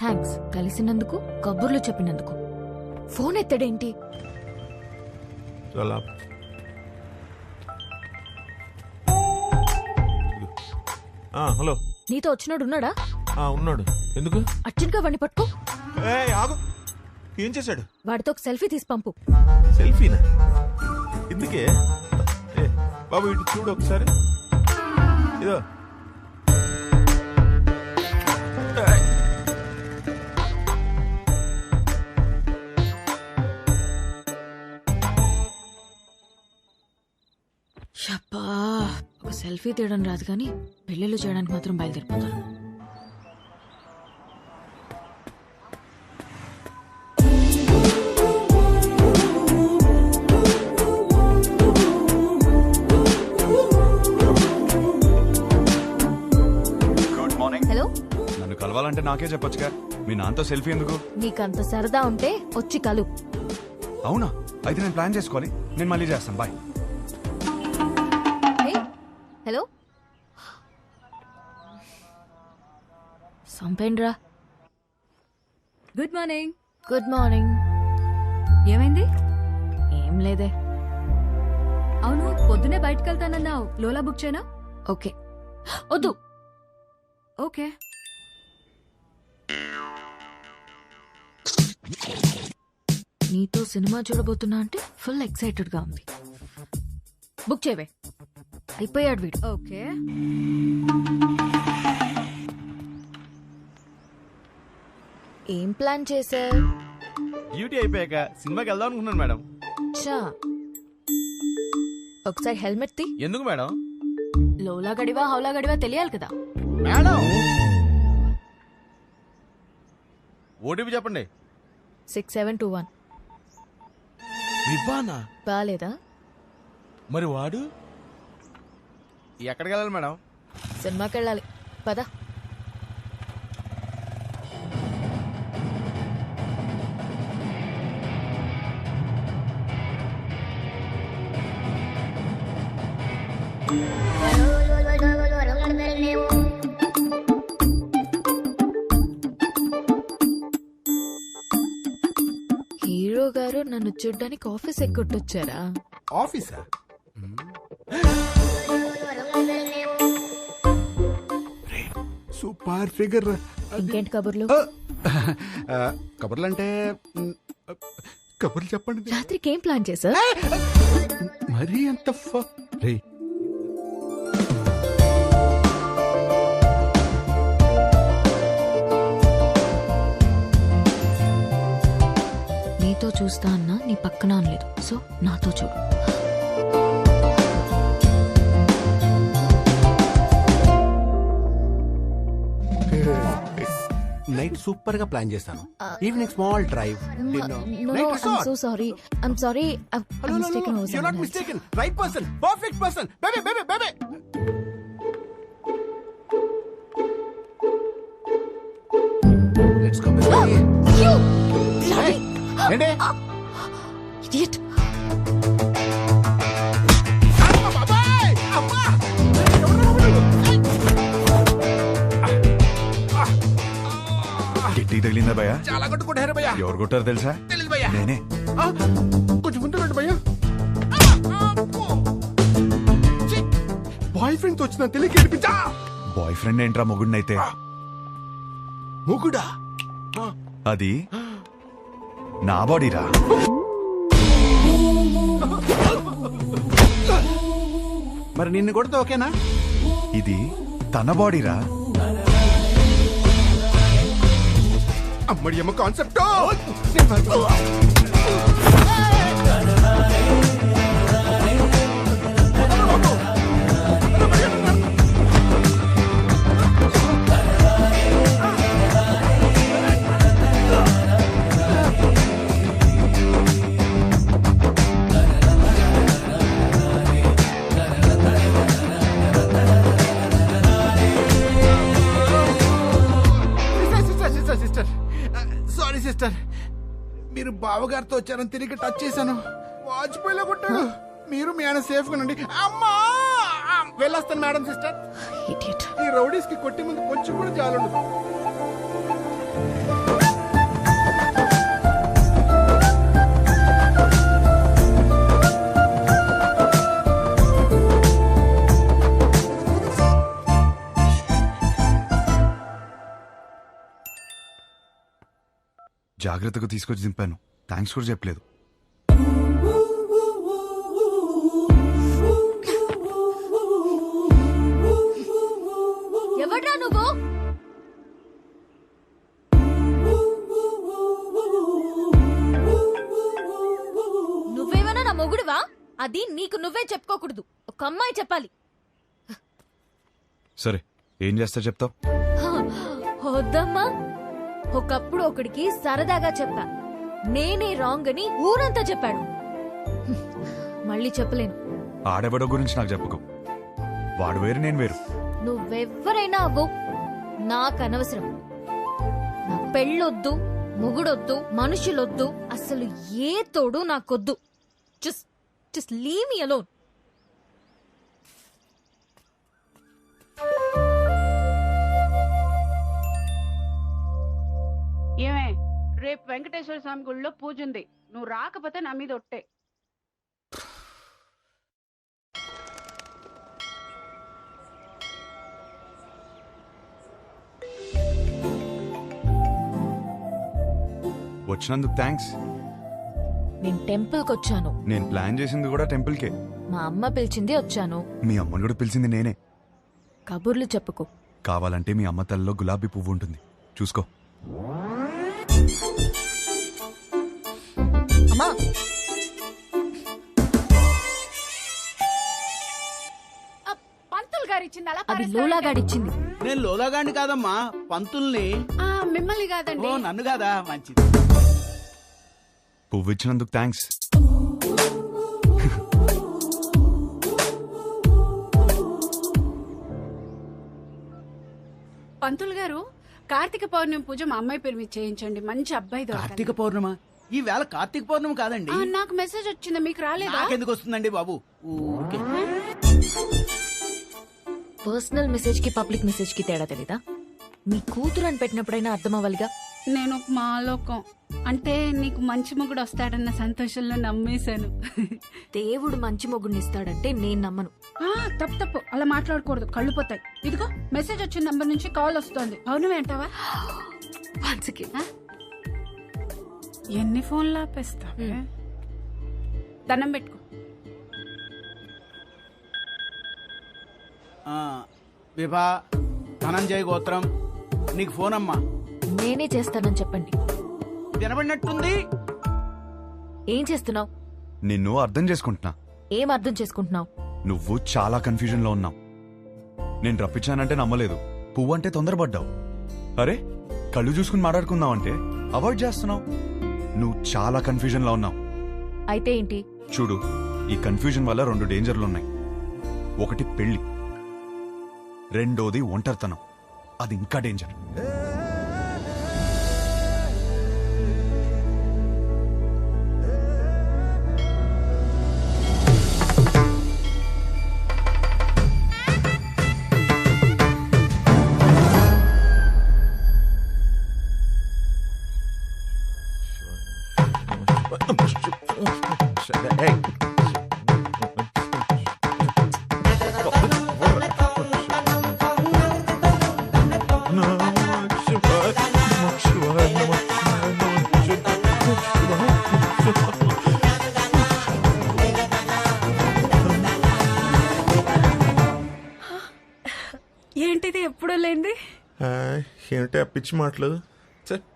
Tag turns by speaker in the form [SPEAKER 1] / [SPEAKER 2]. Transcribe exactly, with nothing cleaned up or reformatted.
[SPEAKER 1] Thanks కలిసినందుకు, కబుర్లు చెప్పినందుకు. ఫోన్ ఎత్తడేంటి?
[SPEAKER 2] చాలా హలో,
[SPEAKER 1] నీతో వచ్చినోడు ఉన్నాడా?
[SPEAKER 2] ఉన్నాడు. ఎందుకు?
[SPEAKER 1] అర్జెంట్ గా వాడిని పట్టుకో.
[SPEAKER 2] ఆగు. ఏం చేశాడు?
[SPEAKER 1] వాడితో ఒక సెల్ఫీ తీసి పంపు.
[SPEAKER 2] సెల్ఫీనా? ఎందుకే? ఏ బాబు ఇటు చూడు ఒకసారి. ఇదో
[SPEAKER 1] షప్పా, ఒక సెల్ఫీ తీయడం రాదు కానీ పెళ్ళిళ్ళు చేయడానికి మాత్రం బయలుదేరిపోతాను.
[SPEAKER 3] Good morning.
[SPEAKER 1] హలో,
[SPEAKER 3] నన్ను కలవాలంటే నాకే చెప్పొచ్చుగా, మీ నాన్నతో సెల్ఫీ ఎందుకు?
[SPEAKER 1] నీకంత సరదా ఉంటే వచ్చి కలు.
[SPEAKER 3] అవునా? అయితే నేను ప్లాన్ చేసుకోవాలి. నేను మళ్ళీ చేస్తాను. బాయ్.
[SPEAKER 1] హలో, సంపేండ్రా.
[SPEAKER 4] Good morning.
[SPEAKER 1] Good morning.
[SPEAKER 4] ఏమైంది?
[SPEAKER 1] ఏం లేదే.
[SPEAKER 4] అవును, పొద్దునే బయటకు వెళ్తానన్నావు. లోలా బుక్ చేయనా?
[SPEAKER 1] ఓకే. వద్దు.
[SPEAKER 4] ఓకే.
[SPEAKER 1] నీతో సినిమా చూడబోతున్నా అంటే ఫుల్ ఎక్సైటెడ్ గా ఉంది. బుక్ చేయవే. అయిపోయాడు వీడు.
[SPEAKER 4] ఓకే.
[SPEAKER 1] ఏం ప్లాన్ చేశా?
[SPEAKER 2] డ్యూటీ అయిపోయాక సినిమాకి వెళ్దాం అనుకున్నాను మేడం.
[SPEAKER 1] చా, ఒకసారి హెల్మెట్ తీ.
[SPEAKER 2] ఎందుకు మేడం?
[SPEAKER 1] లోలా గడివా హౌలా గడివా తెలియాలి కదా.
[SPEAKER 2] మేడం ఓటీపీ చెప్పండి.
[SPEAKER 1] Six seven two one.
[SPEAKER 2] వివ్వానా?
[SPEAKER 1] బాలేదా?
[SPEAKER 2] మరి వాడు ఎక్కడికి వెళ్ళాలి మేడం?
[SPEAKER 1] సినిమాకి వెళ్ళాలి. పద. హీరో గారు నన్ను చూడ్డానికి ఆఫీస్ ఎక్కొట్టొచ్చారా?
[SPEAKER 2] ఆఫీసా?
[SPEAKER 5] Super figure.
[SPEAKER 1] ఇంకేంటి కబుర్లు?
[SPEAKER 5] కబుర్లు అంటే కబుర్లు చెప్పండి.
[SPEAKER 1] రాత్రికి ఏం ప్లాన్ చేశా?
[SPEAKER 5] మరీ అంత రే
[SPEAKER 1] నీతో చూస్తా అన్నా నీ పక్కన అనలేదు, సో నాతో చూడు.
[SPEAKER 5] నైట్ సూపర్ గా ప్లాన్ చేస్తాను. Evening small drive.
[SPEAKER 1] So sorry, I'm sorry.
[SPEAKER 5] Right person, perfect person. Baby baby baby let's come. ఏంటి
[SPEAKER 1] ఇడియట్.
[SPEAKER 3] గిట్టి తగిలిందా భయ్యా?
[SPEAKER 5] చాలా కొట్టుకుంటారు భయ్యా.
[SPEAKER 3] ఎవరు కొట్టారు తెలుసా?
[SPEAKER 5] తెలీదు భయ్యా.
[SPEAKER 3] నేనే.
[SPEAKER 5] కొంచెం ముందు రండి భయ్యా. బాయ్ ఫ్రెండ్ తో వచ్చిన తెలియక ఏడిపించా.
[SPEAKER 3] బాయ్ ఫ్రెండ్ ఏంట్రా మొగుడినైతే?
[SPEAKER 5] మొగుడా?
[SPEAKER 3] అది నా బాడీరా.
[SPEAKER 5] మరి నిన్ను కొడితే ఓకేనా?
[SPEAKER 3] ఇది తన బాడీరా.
[SPEAKER 5] అమ్మడి అమ్మ కాన్సెప్ట్. సారీ సిస్టర్, మీరు బావగారితో వచ్చారని తిరిగి టచ్ చేశాను. వాజ్పేయిలో కొట్టాడు. మీరు మీ ఆయన సేఫ్ గా ఉండండి. అమ్మా వెళ్ళొస్తాను మేడం. Sister,
[SPEAKER 1] idiot.
[SPEAKER 5] ఈ రౌడీస్ కి కొట్టి ముందు కొంచెం కూడా చాలుండదు.
[SPEAKER 3] జాగ్రత్తగా తీసుకొచ్చి దింపాను. థ్యాంక్స్ కూడా చెప్పలేదు.
[SPEAKER 1] ఎవడ్రా నువ్వు? నువ్వేమైనా నా మొగుడువా? అది నీకు నువ్వే చెప్పుకోకూడదు, ఒక అమ్మాయి చెప్పాలి.
[SPEAKER 3] సరే ఏం చేస్తా చెప్తావు?
[SPEAKER 1] వద్దమ్మా. ఒకప్పుడు ఒకడికి సరదాగా చెప్పా, నేనే రాంగ్ అని ఊరంతా చెప్పాడు. మళ్ళీ చెప్పలేను.
[SPEAKER 3] ఆడెవడో గురించి నాకు చెప్పుకో. వాడు వేరు, నేను వేరు.
[SPEAKER 1] నువ్వెవ్వరైనా అవ్వు, నాకు అనవసరం. నా పెళ్ళొద్దు, మొగుడొద్దు, మనుషులొద్దు, అసలు ఏ తోడు నాకొద్దు. Just just leave me alone.
[SPEAKER 6] ఏమే, రేపు వెంకటేశ్వర స్వామి గుళ్ళో పూజ ఉంది, నువ్వు రాకపోతే నా మీద ఒట్టే.
[SPEAKER 3] వచ్చినందుకు థ్యాంక్స్.
[SPEAKER 1] నేను టెంపుల్కి వచ్చాను.
[SPEAKER 3] నేను ప్లాన్ చేసింది కూడా టెంపుల్కే.
[SPEAKER 1] మా అమ్మ పిలిచింది వచ్చాను.
[SPEAKER 3] మీ అమ్మని కూడా పిలిచింది నేనే.
[SPEAKER 1] కబుర్లు చెప్పుకో.
[SPEAKER 3] కావాలంటే మీ అమ్మ తల్లిలో గులాబీ పువ్వు ఉంటుంది, చూసుకో.
[SPEAKER 1] అమ్మా,
[SPEAKER 6] పంతులు గారు ఇచ్చింది అలా
[SPEAKER 1] అది లోలాగాడిచ్చింది.
[SPEAKER 5] నేను లోలాగాండి కాదమ్మా, పంతుల్ని.
[SPEAKER 6] ఆ, మిమ్మల్ని కాదండి.
[SPEAKER 5] ఓ నన్ను కాదా? మంచిది.
[SPEAKER 3] పువ్వు ఇచ్చినందుకు థ్యాంక్స్.
[SPEAKER 6] పంతులు గారు, కార్తీక పౌర్ణమి పూజ మా అమ్మాయి పేరు మీద చేయించండి, మంచి అబ్బాయి దొరకాలి.
[SPEAKER 5] కార్తీక పౌర్ణమ? ఈ వేళ కార్తీక పౌర్ణమి కాదండి.
[SPEAKER 6] ఆ, నాకు మెసేజ్ వచ్చింది, మీకు రాలేదా?
[SPEAKER 5] నాకెందుకు వస్తుందండి బాబు? ఊరికే.
[SPEAKER 1] పర్సనల్ మెసేజ్ కి పబ్లిక్ మెసేజ్ కి తేడా తెలీదా? మీ కూతురు అని పెట్టినప్పుడైనా అర్థం అవ్వాలిగా.
[SPEAKER 6] నేను ఒక మాలోకం అంటే నీకు మంచి మొగుడు వస్తాడన్న సంతోషంలో నమ్మేశాను.
[SPEAKER 1] దేవుడు మంచి మొగుడిని ఇస్తాడంటే నేను నమ్మను.
[SPEAKER 6] ఆ, తప్పు తప్పు, అలా మాట్లాడకూడదు, కళ్ళు పోతాయి. ఇదిగో మెసేజ్ వచ్చిన నంబర్ నుంచి కాల్ వస్తోంది. పౌర్ణమి అంటావా?
[SPEAKER 1] Once again.
[SPEAKER 6] ఎన్ని ఫోన్లు ఆపేస్తావే? దండం పెట్టుకో.
[SPEAKER 5] ఆ, విభా ధనంజయ గోత్రం, నీకు ఫోన్ అమ్మా.
[SPEAKER 1] నేనే చేస్తానని చెప్పండి.
[SPEAKER 5] వినబడినట్టుంది.
[SPEAKER 1] ఏం చేస్తున్నావు?
[SPEAKER 3] నిన్ను అర్థం చేసుకుంటున్నా.
[SPEAKER 1] ఏం అర్థం చేసుకుంటున్నావు?
[SPEAKER 3] నువ్వు చాలా కన్ఫ్యూజన్ లో ఉన్నావు. నేను రప్పించానంటే నమ్మలేదు, పువ్వు అంటే తొందరపడ్డావు. అరే కళ్ళు చూసుకుని మాట్లాడుకుందామంటే అవాయిడ్ చేస్తున్నావు. నువ్వు చాలా కన్ఫ్యూజన్ లో ఉన్నావు.
[SPEAKER 1] అయితే ఏంటి?
[SPEAKER 3] చూడు, ఈ కన్ఫ్యూజన్ వల్ల రెండు డేంజర్లు ఉన్నాయి. ఒకటి పెళ్లి, రెండోది ఒంటరితనం. అది ఇంకా డేంజర్.
[SPEAKER 6] ఏంటిది ఎప్పుడూ లేంది?
[SPEAKER 7] ఏమిటి ఆ పిచ్చి మాటలు? ఛే,